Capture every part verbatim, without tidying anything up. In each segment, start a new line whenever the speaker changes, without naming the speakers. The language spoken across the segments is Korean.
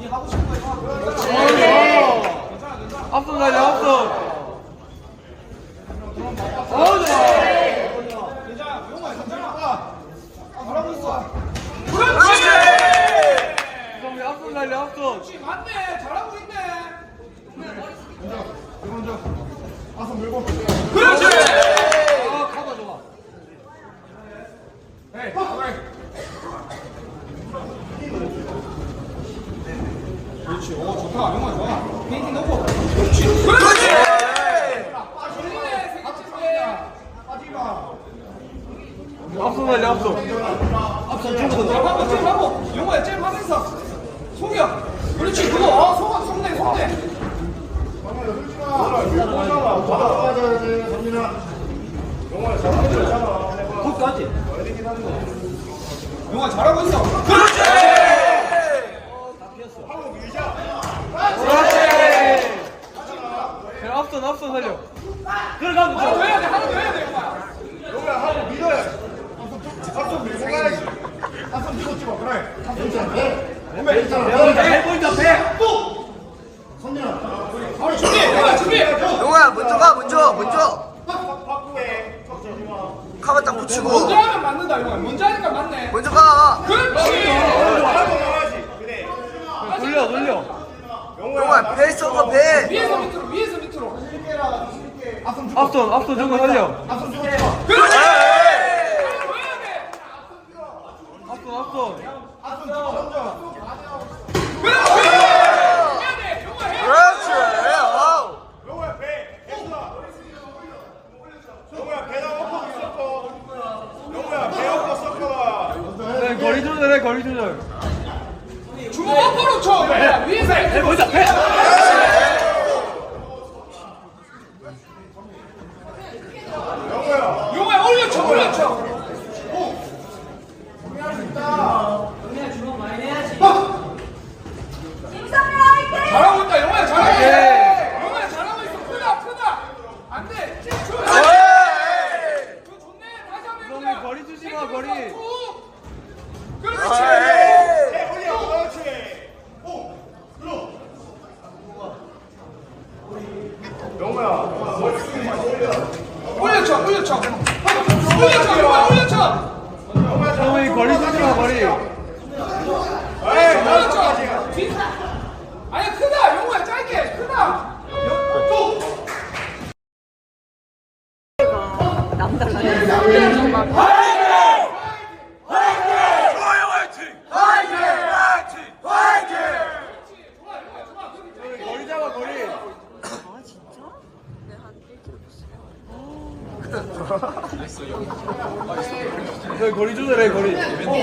니 하고 싶은 거 해봐.
그렇지.
괜찮아, 괜찮아.
앞선 달려, 앞선. 어,
괜찮아, 용호야, 괜찮아. 아, 잘하고 있어.
그렇지. 그럼 우리 앞선 달려, 앞선.
그렇지, 맞네. 잘하고 있네.
먼저 앞선 밀고.
그렇지.
아, 가봐, 좋아.
에이, 그래.
그렇지. 오, 좋다. 용호야, 좋아. 페인팅 넣고. 그렇지. 그렇지. 재밌네, 생각했네.
빠지마.
앞선 달려, 앞선.
앞선 좀 더. 하고, 좀 하고. 용호야, 잼 하면서. 속여. 그렇지, 그거. 어, 속, 속내, 속내.
정민아, 흘지 마. 빠져야 돼, 정민아. 영호야, 잘하는 거 있잖아.
굿까지.
어디긴 하는 거.
용호야, 잘하고 있어. 그렇지.
하고 밀자.
그렇지. 그냥 앞선, 앞선 살려. 그래, 가면
하나 더
돼.
해야 돼, 하나 더 해야 돼, 용호야.
영호야, 하고 밀어야 돼. 앞선 밀고 가야지. 앞선 밀고 찍어, 그래. 앞선 있잖아, 배. 몸에 있잖아.
배 보인다, 배.
선민아.
우리 준비, 용호야, 준비.
용호야 먼저 가 먼저 먼저
확보해. 걱정하지 마.
카바 딱 붙이고
먼저 하면 맞는다, 용호야. 먼저 하니까 맞네.
먼저 가
그렇지.
하고 나와야지. 그래.
돌려, 돌려.
용호야 배 쏘고 배
위에서 밑으로, 위에서 밑으로.
앞선 주고.
앞선, 앞선 저거 살려.
앞선 주고 찍어.
그렇지.
앞선, 앞선.
앞선 주고 먼저.
그렇지 어우.
영호야, 배. 했어. 영호야, 배다 엎어 있었고. 영호야, 배 엎어 섞어.
네, 거리 조절해, 거리 조절.
주먹 앞으로 쳐. 야, 위에서.
배 보인다, 배.
영호야.
용호야, 올려쳐, 올려쳐. 잘하고 있다, 용호야, 잘하고 있어. 용호야, 잘하고 있어. 크다, 크다. 안 돼. 쭉 쳐. 그거 좋네. 다시 한번
그러면
해보자.
거리 주지 마, 거리.
툭. 그렇지.
배 올려. 그렇지. 오. 들어. 영호야. 머리 숙이지 마. 올려.
올려쳐, 올려쳐. 올려쳐, 용호야, 올려쳐.
형이 거리 주지 마, 거리.
에이,
올려쳐. 뒤. 아니, 크다. 용호야, 짧게. 크다.
거리 잡아, 거리. 네, 거리 조절해, 거리.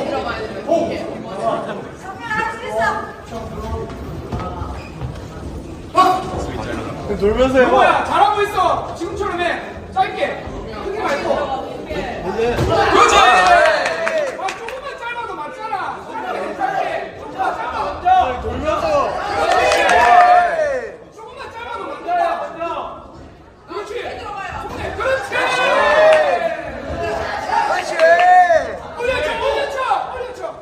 돌면서 해봐.
용호야, 잘하고 있어. 지금처럼 해. 짧게. 크게 말고.
이제
그렇지. 아, 조금만 짧아도 맞잖아. 짧게, 짧게. 자, 짧아, 먼저.
돌면서.
조금만 짧아도 맞잖아. 그렇지. 손에, 그렇지.
그렇지
올려쳐, 올려쳐, 올려쳐.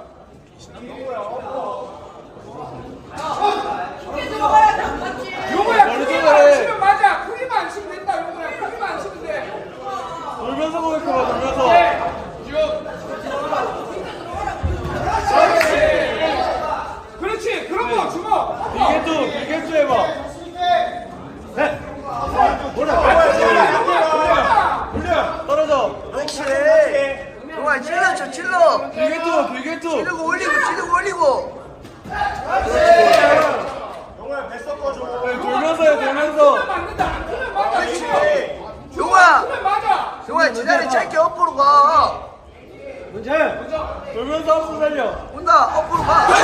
용호야,
머리
크기만 안
조절해.
치면 맞아. 크기만 안 치면 된다, 용호야. 크기만 안 치면 돼.
돌면서 공격해봐, 돌면서.
네. 그렇지. 그렇지. 그런 거 주먹.
비게투, 비게투 해봐. 네.
올려.
떨어져.
그렇지 용호야 찔러 쳐 찔러
비게투, 비게투.
찌르고 올리고 찌르고 올리고
영호야, 배 섞어줘.
네, 돌면서 해, 돌면서.
크면 맞는다. 안 크면 맞아.
그렇지.
용호야
크면 맞아.
용호야 지난해 짧게 엎으로 가
문제. 돌면서 앞서 살려.
온다 엎으로 가